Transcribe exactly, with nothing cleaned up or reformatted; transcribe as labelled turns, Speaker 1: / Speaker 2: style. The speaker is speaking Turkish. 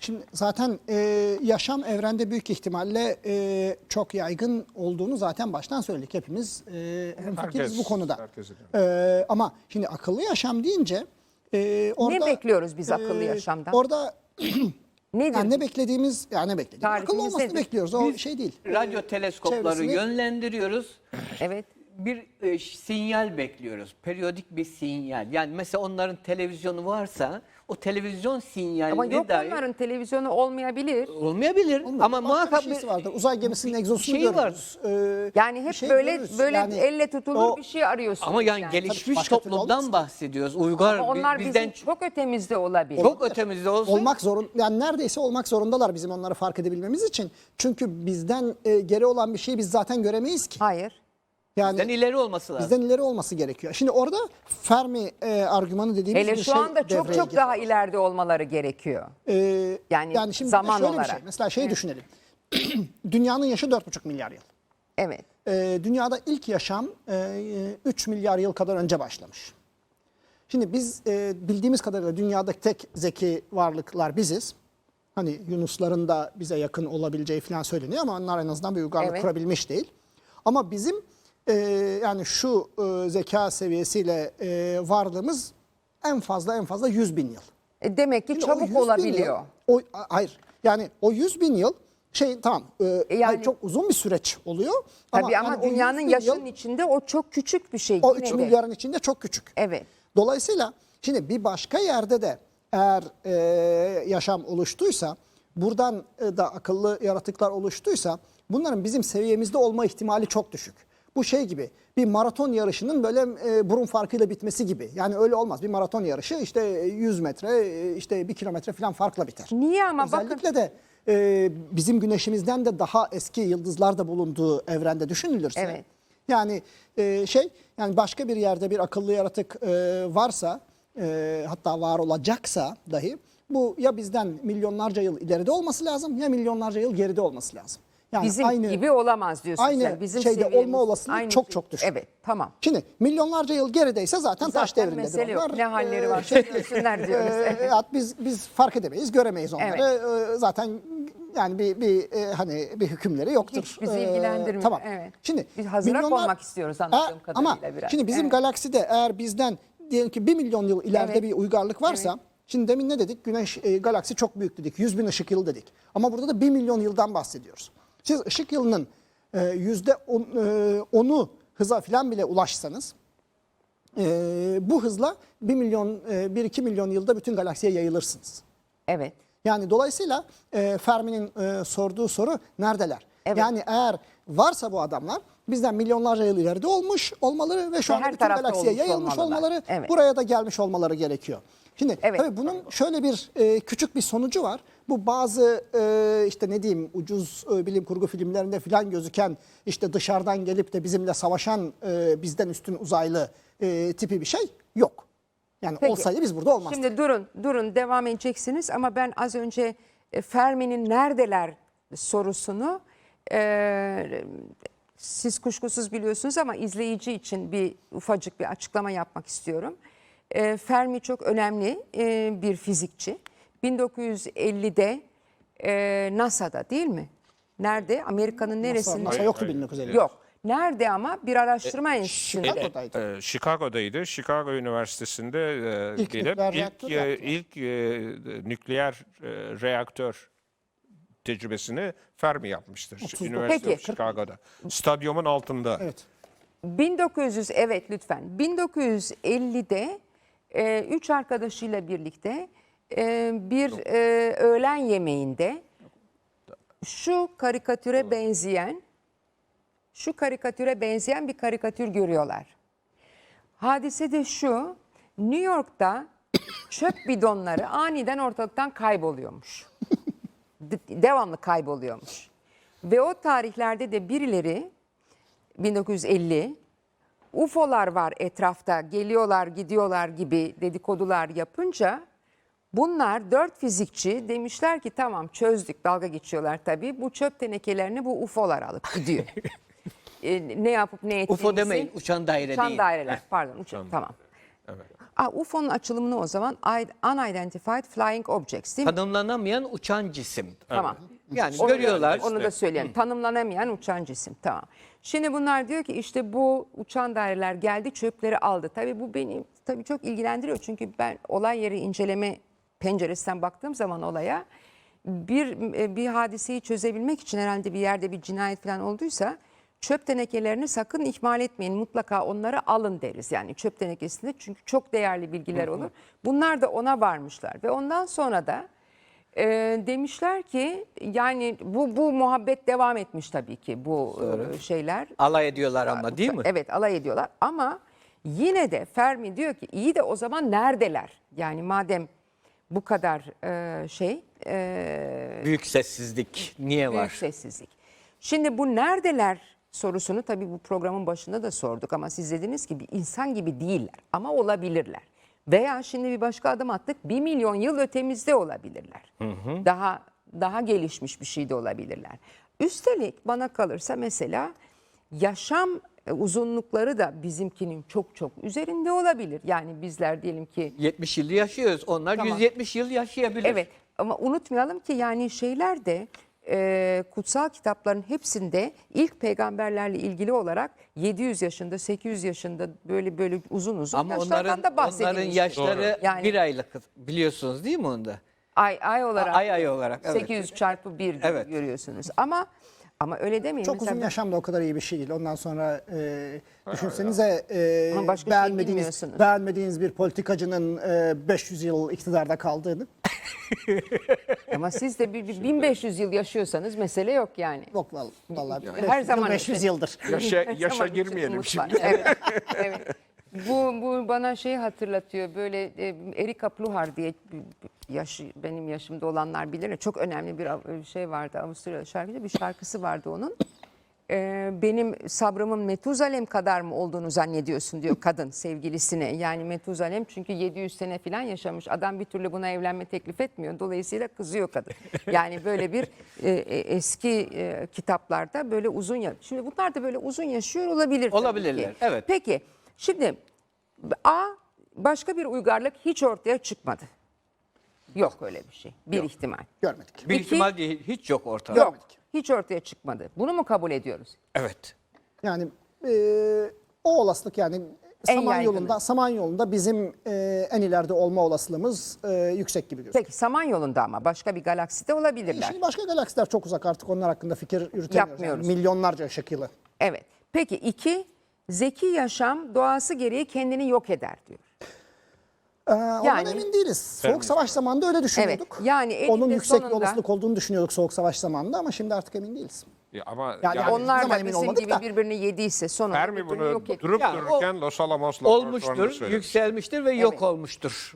Speaker 1: Şimdi zaten e, yaşam evrende büyük ihtimalle e, çok yaygın olduğunu zaten baştan söyledik. Hepimiz e, hemfikiriz
Speaker 2: Herkes-
Speaker 1: bu konuda.
Speaker 2: herkes ediyor.
Speaker 1: E, ama şimdi akıllı yaşam deyince e, orada...
Speaker 3: Ne bekliyoruz biz akıllı
Speaker 1: e,
Speaker 3: yaşamdan?
Speaker 1: Orada
Speaker 3: Nedir?
Speaker 1: yani ne beklediğimiz, yani ne beklediğimiz, akıllı
Speaker 3: Tarifimiz
Speaker 1: olmasını
Speaker 3: nedir?
Speaker 1: bekliyoruz. O şey değil.
Speaker 4: Radyo
Speaker 1: E,
Speaker 4: teleskopları
Speaker 1: çevresini-
Speaker 4: yönlendiriyoruz.
Speaker 3: Evet.
Speaker 4: Bir e, sinyal bekliyoruz. Periyodik bir sinyal. Yani mesela onların televizyonu varsa o televizyon sinyaline
Speaker 3: Ama yok
Speaker 4: dair
Speaker 3: onların televizyonu olmayabilir.
Speaker 4: olmayabilir.
Speaker 1: Olmuyor.
Speaker 4: Ama
Speaker 1: Başka
Speaker 4: muhakkak
Speaker 1: bir
Speaker 4: bir
Speaker 1: şeysi vardır. Uzay gemisinin egzosunu
Speaker 4: şeyi
Speaker 1: görürüz. E,
Speaker 3: Yani
Speaker 1: bir
Speaker 3: hep
Speaker 1: şey
Speaker 3: böyle
Speaker 1: görürüz.
Speaker 3: böyle
Speaker 1: Yani
Speaker 3: elle tutulur
Speaker 1: o-
Speaker 3: bir şey arıyorsunuz.
Speaker 4: ama yani,
Speaker 3: yani.
Speaker 4: gelişmiş
Speaker 1: başka türlü
Speaker 4: toplumdan
Speaker 1: olmaz.
Speaker 4: bahsediyoruz. Uygar
Speaker 3: Ama
Speaker 4: bi-
Speaker 3: onlar
Speaker 4: bizden
Speaker 3: bizim çok ötemizde olabilir.
Speaker 4: çok ötemizde olsun.
Speaker 1: Olmak zorun, yani neredeyse olmak zorundalar bizim onları fark edebilmemiz için. Çünkü bizden e, geri olan bir şeyi biz zaten göremeyiz ki.
Speaker 3: Hayır.
Speaker 1: Yani
Speaker 4: Bizden ileri olması lazım.
Speaker 1: bizden ileri olması gerekiyor. Şimdi orada Fermi e, argümanı dediğimiz
Speaker 3: Hele
Speaker 1: bir
Speaker 3: şu
Speaker 1: şey
Speaker 3: anda çok
Speaker 1: devreye
Speaker 3: çok
Speaker 1: giriyor.
Speaker 3: daha ileride olmaları gerekiyor.
Speaker 1: Ee,
Speaker 3: Yani
Speaker 1: yani şimdi
Speaker 3: zaman
Speaker 1: şöyle bir
Speaker 3: olarak.
Speaker 1: şey. Mesela şeyi düşünelim. Dünyanın yaşı dört buçuk milyar yıl.
Speaker 3: Evet.
Speaker 1: Ee, dünyada ilk yaşam e, üç milyar yıl kadar önce başlamış. Şimdi biz e, bildiğimiz kadarıyla dünyadaki tek zeki varlıklar biziz. Hani Yunusların da bize yakın olabileceği falan söyleniyor ama onlar en azından bir uygarlık
Speaker 3: Evet.
Speaker 1: kurabilmiş değil. Ama bizim e, yani şu e, zeka seviyesiyle e, varlığımız en fazla en fazla yüz bin yıl.
Speaker 3: E demek ki
Speaker 1: Şimdi o
Speaker 3: çabuk
Speaker 1: yüz bin
Speaker 3: olabiliyor.
Speaker 1: Yıl, o, a- hayır yani o yüz bin yıl şey tamam e,
Speaker 3: yani-
Speaker 1: hayır, çok uzun bir süreç oluyor.
Speaker 3: Tabii ama,
Speaker 1: yani o yüz
Speaker 3: dünyanın
Speaker 1: bin
Speaker 3: yaşının
Speaker 1: yıl,
Speaker 3: içinde o çok küçük bir şey.
Speaker 1: o
Speaker 3: yine
Speaker 1: üç
Speaker 3: de.
Speaker 1: milyarın içinde çok küçük.
Speaker 3: Evet.
Speaker 1: Dolayısıyla şimdi bir başka yerde de eğer e, yaşam oluştuysa, buradan e, da akıllı yaratıklar oluştuysa bunların bizim seviyemizde olma ihtimali çok düşük. Bu şey gibi bir maraton yarışının böyle e, burun farkıyla bitmesi gibi. Yani öyle olmaz. Bir maraton yarışı işte yüz metre, e, işte bir kilometre falan farkla biter.
Speaker 3: Niye ama bakın.
Speaker 1: Özellikle de e, bizim güneşimizden de daha eski yıldızlar da bulunduğu evrende düşünülürse.
Speaker 3: Evet.
Speaker 1: Yani e, şey yani başka bir yerde bir akıllı yaratık e, varsa e, hatta var olacaksa dahi bu ya bizden milyonlarca yıl ileride olması lazım ya milyonlarca yıl geride olması lazım. Yani
Speaker 3: Bizim
Speaker 1: aynı,
Speaker 3: gibi olamaz diyorsun
Speaker 1: aynı
Speaker 3: sen. Bizim
Speaker 1: şeyde
Speaker 3: seviyemiz
Speaker 1: olma olasılığı
Speaker 3: aynı
Speaker 1: çok
Speaker 3: şey.
Speaker 1: çok düşük.
Speaker 3: Evet, tamam.
Speaker 1: Şimdi milyonlarca yıl gerideyse zaten, taş
Speaker 3: Zaten
Speaker 1: devrindedir
Speaker 3: mesele yok.
Speaker 1: onlar.
Speaker 3: Ne halleri
Speaker 1: E,
Speaker 3: var?
Speaker 1: şey,
Speaker 3: Görsünler diyoruz.
Speaker 1: e,
Speaker 3: Evet.
Speaker 1: ya biz biz fark edemeyiz, göremeyiz onları. E, zaten yani bir bir e, hani bir hükümleri yoktur.
Speaker 3: Hiç bizi
Speaker 1: E,
Speaker 3: ilgilendirmiyor.
Speaker 1: Tamam.
Speaker 3: Evet.
Speaker 1: Şimdi
Speaker 3: Biz hazıra
Speaker 1: milyonlar-
Speaker 3: konmak istiyoruz anladığım
Speaker 1: E,
Speaker 3: kadarıyla
Speaker 1: ama
Speaker 3: biraz.
Speaker 1: şimdi bizim
Speaker 3: Evet.
Speaker 1: galakside eğer bizden diyelim ki bir milyon yıl ileride
Speaker 3: Evet.
Speaker 1: bir uygarlık varsa, şimdi demin ne dedik? Güneş e, galaksi çok büyük dedik. yüz bin ışık yılı dedik. Ama burada da bir milyon yıldan bahsediyoruz. Siz ışık yılının e, yüzde on, e, onu hıza falan bile ulaşsanız e, bu hızla bir milyon, e, bir iki milyon yılda bütün galaksiye yayılırsınız.
Speaker 3: Evet.
Speaker 1: Yani dolayısıyla e, Fermi'nin e, sorduğu soru neredeler?
Speaker 3: Evet.
Speaker 1: Yani eğer varsa bu adamlar bizden milyonlarca yıl ileride olmuş olmaları ve şu
Speaker 3: Ve
Speaker 1: anda
Speaker 3: her
Speaker 1: bütün
Speaker 3: tarafta
Speaker 1: galaksiye
Speaker 3: olmuş
Speaker 1: yayılmış
Speaker 3: olmalılar.
Speaker 1: olmaları,
Speaker 3: Evet.
Speaker 1: buraya da gelmiş olmaları gerekiyor. Şimdi
Speaker 3: Evet.
Speaker 1: tabii bunun şöyle bir e, küçük bir sonucu var. Bu bazı e, işte ne diyeyim ucuz e, bilim kurgu filmlerinde falan gözüken işte dışarıdan gelip de bizimle savaşan e, bizden üstün uzaylı e, tipi bir şey yok. Yani
Speaker 3: Peki.
Speaker 1: olsaydı biz burada olmazdık.
Speaker 3: Şimdi durun, durun devam edeceksiniz ama ben az önce e, Fermi'nin neredeler sorusunu e, siz kuşkusuz biliyorsunuz ama izleyici için bir ufacık bir açıklama yapmak istiyorum. E, Fermi çok önemli e, bir fizikçi. bin dokuz yüz ellide e, NASA'da değil mi? Nerede? Amerika'nın neresinde?
Speaker 1: NASA yoktu bin dokuz yüz elli.
Speaker 3: Yok. Nerede ama bir araştırma enstitüsünde.
Speaker 1: Chicago'daydı.
Speaker 2: Ee, Chicago'daydı. Chicago Üniversitesi'nde e,
Speaker 1: İlk
Speaker 2: gelip
Speaker 1: nükleer
Speaker 2: ilk
Speaker 1: reaktör
Speaker 2: e,
Speaker 1: yaptılar.
Speaker 2: ilk e, nükleer e, reaktör tecrübesini Fermi yapmıştır.
Speaker 1: otuz dokuz.
Speaker 2: Üniversite
Speaker 3: Peki.
Speaker 2: of Chicago'da. Stadyumun altında.
Speaker 1: Evet.
Speaker 3: bin dokuz yüz evet lütfen. bin dokuz yüz ellide e, üç arkadaşıyla birlikte e, bir e, öğlen yemeğinde şu karikatüre benzeyen şu karikatüre benzeyen bir karikatür görüyorlar. Hadise de şu. New York'ta çöp bidonları aniden ortalıktan kayboluyormuş. De- devamlı kayboluyormuş. Ve o tarihlerde de birileri bin dokuz yüz elli U F O'lar var etrafta geliyorlar gidiyorlar gibi dedikodular yapınca bunlar dört fizikçi demişler ki tamam çözdük, dalga geçiyorlar tabii, bu çöp tenekelerini bu U F O'lar alıp gidiyor. E, ne yapıp ne ettiğimizi.
Speaker 4: U F O demeyin, uçan daire
Speaker 3: Uçan
Speaker 4: değil.
Speaker 3: daireler pardon uçan, tamam. Aa, U F O'nun açılımını o zaman Unidentified Flying Objects değil mi?
Speaker 4: Tanımlanamayan uçan cisim.
Speaker 3: Tamam.
Speaker 4: Yani
Speaker 3: Onu da-
Speaker 4: görüyorlar.
Speaker 3: Onu da söyleyelim. Tanımlanamayan uçan cisim. Tamam. Şimdi bunlar diyor ki işte bu uçan daireler geldi, çöpleri aldı. Tabii bu beni tabii çok ilgilendiriyor. Çünkü ben olay yeri inceleme penceresinden baktığım zaman olaya bir bir hadiseyi çözebilmek için herhalde bir yerde bir cinayet falan olduysa çöp tenekelerini sakın ihmal etmeyin. Mutlaka onları alın deriz. Yani çöp tenekesinde çünkü çok değerli bilgiler olur. Bunlar da ona varmışlar ve ondan sonra da e, demişler ki yani bu bu muhabbet devam etmiş tabii ki bu e, şeyler.
Speaker 4: Alay ediyorlar ama değil mi?
Speaker 3: Evet, alay ediyorlar ama yine de Fermi diyor ki iyi de o zaman neredeler? Yani madem bu kadar e, şey e,
Speaker 4: Büyük sessizlik niye
Speaker 3: büyük
Speaker 4: var?
Speaker 3: sessizlik. Şimdi bu neredeler sorusunu tabii bu programın başında da sorduk ama siz dediniz ki bir insan gibi değiller ama olabilirler. Veya şimdi bir başka adım attık bir milyon yıl ötemizde olabilirler. Daha daha gelişmiş bir şey de olabilirler. Üstelik bana kalırsa mesela yaşam e, uzunlukları da bizimkinin çok çok üzerinde olabilir. Yani bizler diyelim ki
Speaker 4: yetmiş yıl yaşıyoruz. Onlar
Speaker 3: Tamam.
Speaker 4: yüz yetmiş yıl yaşayabilir.
Speaker 3: evet ama unutmayalım ki yani şeyler de e, kutsal kitapların hepsinde ilk peygamberlerle ilgili olarak yedi yüz yaşında sekiz yüz yaşında böyle böyle uzun uzun
Speaker 4: Ama
Speaker 3: yaşlardan
Speaker 4: onların
Speaker 3: da bahsedilmiş.
Speaker 4: onların yaşları
Speaker 3: Yani-
Speaker 4: bir aylık biliyorsunuz değil mi onda?
Speaker 3: Ay ay olarak.
Speaker 4: Ay ay olarak, evet.
Speaker 3: sekiz yüz çarpı bir
Speaker 4: Evet.
Speaker 3: görüyorsunuz. Ama ama öyle demeyin.
Speaker 1: Çok
Speaker 3: Mesela
Speaker 1: uzun yaşam da o kadar iyi bir şey değil. Ondan sonra e, düşünsenize e,
Speaker 3: Ama başka şey
Speaker 1: beğenmediğiniz,
Speaker 3: bilmiyorsunuz.
Speaker 1: beğenmediğiniz bir politikacının e, beş yüz yıl iktidarda kaldığını.
Speaker 3: ama siz de bir, bir bin beş yüz yıl yaşıyorsanız mesele yok yani.
Speaker 1: Yok vallahi. vallahi
Speaker 3: Her zaman
Speaker 1: beş yüz
Speaker 3: için.
Speaker 1: yıldır.
Speaker 2: Yaşa,
Speaker 3: Her
Speaker 2: yaşa
Speaker 3: zaman için
Speaker 2: girmeyelim
Speaker 3: umut
Speaker 2: şimdi.
Speaker 3: var. Evet, evet. Bu, bu bana şeyi hatırlatıyor. Böyle e, Erika Pluhar diye bir- yaş, benim yaşımda olanlar bilir. Çok önemli bir av- şey vardı. Avusturya şarkıcı bir şarkısı vardı onun. E, benim sabrımın Metuzalem kadar mı olduğunu zannediyorsun diyor kadın sevgilisine. Yani Metuzalem çünkü yedi yüz sene falan yaşamış. Adam bir türlü buna evlenme teklif etmiyor. Dolayısıyla kızıyor kadın. Yani böyle bir e, e, eski e, kitaplarda böyle uzun ya. Şimdi bunlar da böyle uzun yaşıyor olabilir. tabii
Speaker 4: Olabilirler,
Speaker 3: ki.
Speaker 4: evet.
Speaker 3: Peki şimdi A başka bir uygarlık hiç ortaya çıkmadı. Yok öyle bir şey. Bir ihtimal.
Speaker 1: Görmedik.
Speaker 4: Bir
Speaker 3: İki-
Speaker 4: ihtimal değil, hiç yok ortada.
Speaker 3: Yok. Hiç ortaya çıkmadı. Bunu mu kabul ediyoruz?
Speaker 4: Evet.
Speaker 1: Yani e, o olasılık yani
Speaker 3: En
Speaker 1: Samanyolu'nda
Speaker 3: yaygını.
Speaker 1: Samanyolu'nda bizim e, en ileride olma olasılığımız e, yüksek gibi gözüküyor.
Speaker 3: Peki Samanyolu'nda ama başka bir galakside olabilirler.
Speaker 1: Şimdi başka galaksiler çok uzak artık onlar hakkında fikir yürütemiyoruz. Yani
Speaker 3: Yapmıyoruz.
Speaker 1: milyonlarca ışık yılı.
Speaker 3: Evet. Peki iki, zeki yaşam doğası gereği kendini yok eder diyor.
Speaker 1: Ee, ondan
Speaker 3: Yani-
Speaker 1: emin değiliz. Soğuk savaş zamanında öyle düşünüyorduk.
Speaker 3: Evet, yani eninde
Speaker 1: Onun yüksek bir
Speaker 3: sonunda-
Speaker 1: olasılık olduğunu düşünüyorduk soğuk savaş zamanında ama şimdi artık emin değiliz.
Speaker 2: Ya ama
Speaker 1: Yani
Speaker 2: yani,
Speaker 3: Onlar
Speaker 1: zaman
Speaker 3: da
Speaker 1: emin
Speaker 3: bizim
Speaker 1: olmadık
Speaker 3: gibi
Speaker 1: da.
Speaker 3: birbirini yediyse sonunda
Speaker 2: Fermi
Speaker 3: bir türlü
Speaker 2: bunu
Speaker 3: yok etti.
Speaker 2: durup
Speaker 4: Ya o-
Speaker 2: dururken Los Alamos laboratuvarında
Speaker 4: Olmuştur,
Speaker 2: söylemiş.
Speaker 4: yükselmiştir ve yok
Speaker 3: Evet.
Speaker 4: olmuştur.